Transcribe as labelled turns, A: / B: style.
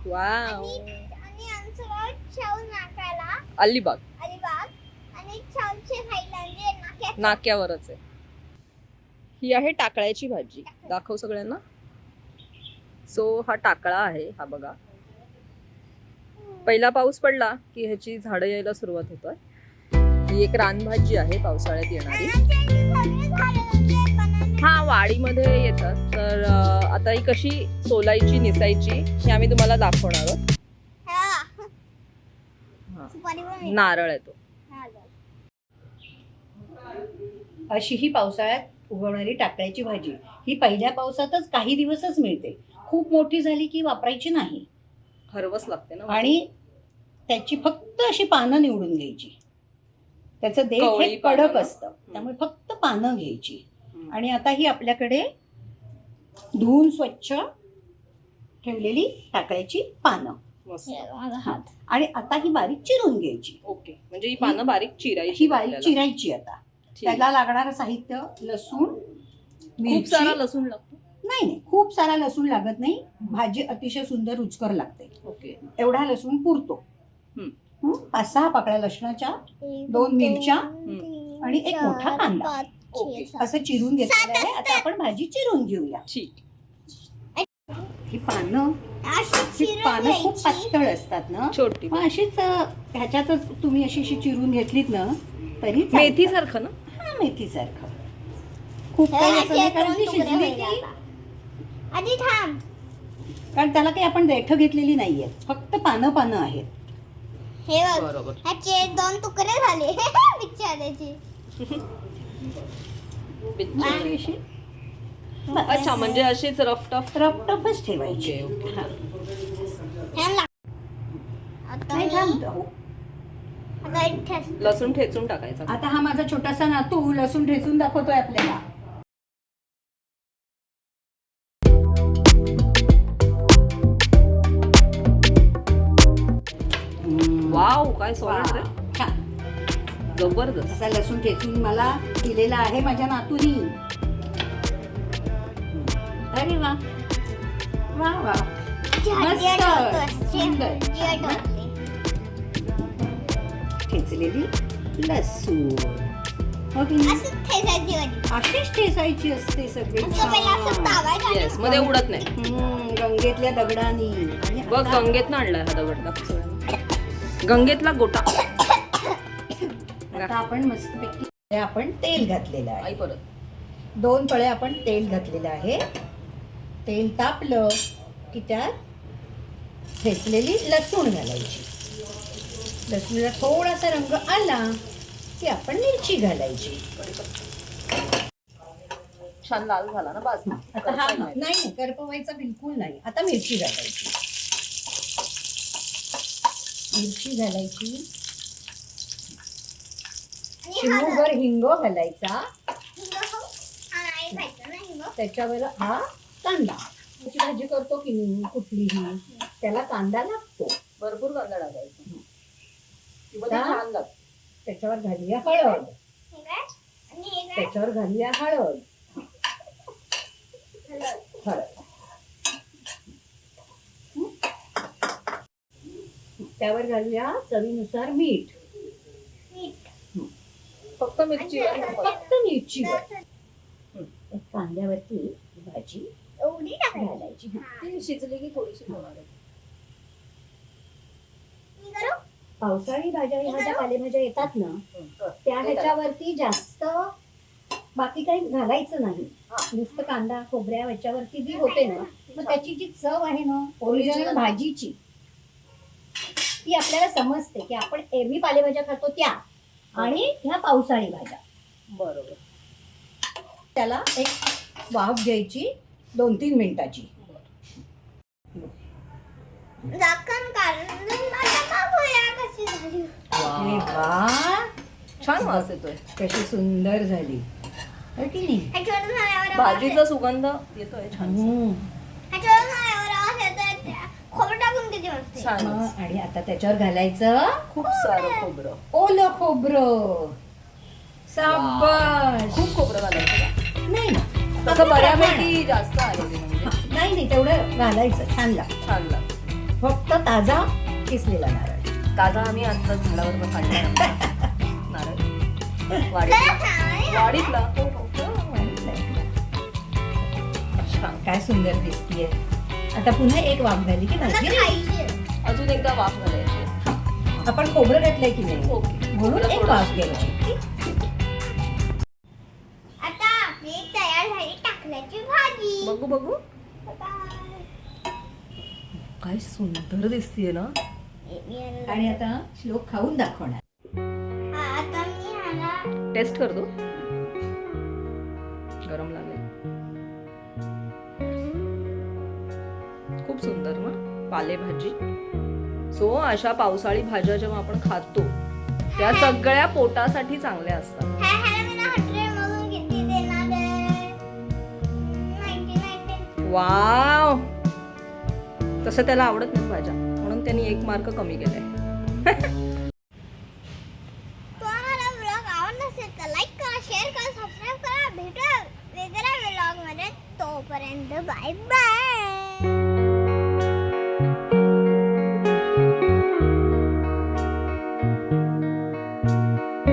A: Wow.
B: आणि आमचं गाव शाहू नाक्याला
A: अलिबाग
B: अलिबाग आणि शाहूच्या साईडला म्हणजे नाक्यात.
A: नाक्यावरच आहे. ही आहे टाकळ्याची भाजी. दाखव सगळ्यांना. सो हा टाकळा आहे, हा बघा. पहिला पाऊस पडला की ह्याची झाडं यायला सुरुवात होतात. ही एक रानभाजी आहे पावसाळ्यात येणारी. हा वाडीमध्ये येतात. तर आता ही कशी सोलायची निसायची हे आम्ही तुम्हाला दाखवणार आहोत. नारळ आहे तो.
C: अशी ही पावसाळ्यात उगवणारी टाकळ्याची भाजी. ही पहिल्या पावसातच काही दिवसच मिळते. खूप मोठी झाली की वापरायची नाही.
A: हरवस लागते ना.
C: आणि त्याची फक्त अशी पानं निवडून घ्यायची. त्याचं देठ
A: कवळी
C: हे कडक
A: पानं.
C: असतं, त्यामुळे फक्त पानं घ्यायची. आणि आता ही आपल्याकडे धुवून स्वच्छ ठेवलेली टाकळ्याची पानं.
A: मस्त.
C: आणि आता ही बारीक चिरून घ्यायची.
A: ओके, म्हणजे ही पानं बारीक चिरायची.
C: ही बारीक चिरायची. आता
A: ठीक.
C: त्याला लागणारं साहित्य लसूण,
A: खूप
C: मिरची.
A: सारा लसूण लागतो.
C: नाही, खूप सारा लसूण लागत नाही. भाजी अतिशय सुंदर रुचकर लागते.
A: ओके.
C: एवढा लसूण पुरतो. 5-6 पाकळ्या लसणाच्या, 2 मिरच्या आणि एक मोठा कांदा
A: ओके.
C: असं चिरून घेतलेलं आहे. आता आपण भाजी चिरून घेऊया.
A: ठीक.
C: ही पानं खूप पातळ असतात ना,
A: छोटी.
C: मग अशीच ह्याच्यातच तुम्ही अशी चिरून घेतलीत ना तरी
A: मेथी सारखं ना.
C: हा, मेथी सारखं. खूप काही असं नाही, कारण ती शिजली की
B: आधी थांब.
C: कारण त्याला काही आपण देठ घेतलेली नाहीये, फक्त पानं आहेत.
B: हे बघ,
A: बरोबर.
B: ह्याचे 2 तुकडे झाले बिचाऱ्याचे.
C: अशी
A: अच्छा, म्हणजे अशीच रफटफ.
C: रफटफच ठेवायची.
A: Okay, okay.
C: हा. नाही, थांब. हो.
A: लसूण ठेचून टाकायचा.
C: आता हा माझा छोटासा नातू लसूण ठेचून दाखवतोय आपल्याला.
A: वाव, काय सॉलिड रे.
C: छान.
A: जबरदस्त.
C: असा लसूण ठेचून मला दिलेला आहे माझ्या नातूनी. अरे वा वा वा, मस्त सुंदर. ठेचलेली लसूण. हो की नाही? अशीच ठेचायची असते सगळी.
A: येस, मध्ये उडत नाही.
C: गंगेतल्या दगडानी. आणि
A: बघ,
C: आता
A: गंगेतनं आणलाय हा दगड. दाखव सगळ्यांना. गंगेतला गोटा.
C: आता आपण मस्तपैकी आपण तेल घातलेलं आहे.
A: आई परत
C: 2 पळे आपण तेल घातलेलं आहे. तेल तापलं की त्यात ठेचलेली लसूण घालायची. लसूणला थोडासा रंग आला की आपण मिरची घालायची.
A: छान लाल झाला ना. बास.
C: आता हा नाही, करपवायचा बिलकुल नाही. आता मिरची घालायची. मिरची घालायची. चिमूटभर हिंग घालायचा. त्याच्यावर हा कांदा. त्याची भाजी करतो की नाही कुठलीही, त्याला कांदा लागतो.
A: भरपूर कांदा टाकायचा.
C: त्याच्यावर घालूया हळद. त्याच्यावर घालूया हळद. त्यावर घालूया चवीनुसार मीठ.
A: फक्त मिरची.
C: फक्त मिरचीवर. कांद्यावरती भाजी
B: एवढी
C: घालायची.
A: ती शिजली की थोडीशी होणार आहे.
C: पावसाळी भाज्या ह्या ज्या पालेभाज्या येतात ना, त्या ह्याच्यावरती जास्त बाकी काही घालायचं नाही. नुसतं कांदा खोबऱ्या ह्याच्यावरती जी होते ना, मग त्याची जी चव आहे ना ओरिजिनल भाजीची, ती आपल्याला समजते की आपण एरवी पालेभाज्या खातो त्या आणि ह्या पावसाळी भाज्या.
A: बरोबर.
C: त्याला एक वाफ घ्यायची 2-3 मिनिटाची.
B: झाकण काढून कशी झाली.
C: अरे वा,
A: छान वास येतोय.
C: कशी सुंदर झाली हो की नाही.
A: भाजीचा सुगंध येतोय छान.
B: खोबरं टाकून किती मस्त.
A: छान.
C: आणि आता त्याच्यावर घालायचं
A: खूप सारं खोबरं.
C: ओलं खोबरं. शाबास.
A: खूप खोबरं घालायचं.
C: नाही
A: तसं बऱ्यापैकी जास्त आहे ते. म्हणजे
C: नाही, तेवढं घालायचं. छान लागतं.
A: छान लागतं.
C: फक्त ताजा किसलेला नारळ.
A: ताजा आम्ही आता झाडावर काढला नारळ. वाडीतला हो, हो. छान.
C: काय सुंदर दिसतीये. आता पुन्हा एक वाफ झाली की भाजी ready.
A: अजून एकदा वाफ घालायची.
C: आपण खोबरं घातलंय की नाही
A: ओके.
C: म्हणून एक वाफ घ्यायची.
B: आता आपली तयार झाली टाकल्याची भाजी.
A: बघू बघू काय सुंदर दिसतीये ना.
C: आणि आता श्लोक खाऊन दाखवणार.
B: आता मी ह्याला
A: टेस्ट करतो. गरम लागेल. खूप सुंदर ना पालेभाजी. सो अशा पावसाळी भाज्या जेव्हा आपण खातो त्या सगळ्या पोटासाठी चांगल्या असतात.
B: ह्याला मी 100 मधून किती देणार आहे? 99.
A: वाव. तसं त्याला आवडत नाही भाज्या म्हणून त्यांनी 1 मार्क कमी केलाय.
B: तुम्हाला व्लॉग आवडला असेल तर लाईक करा, शेअर करा, सबस्क्राईब करा. भेटूया वेगळ्या व्लॉग मध्ये. तोपर्यंत बाय बाय.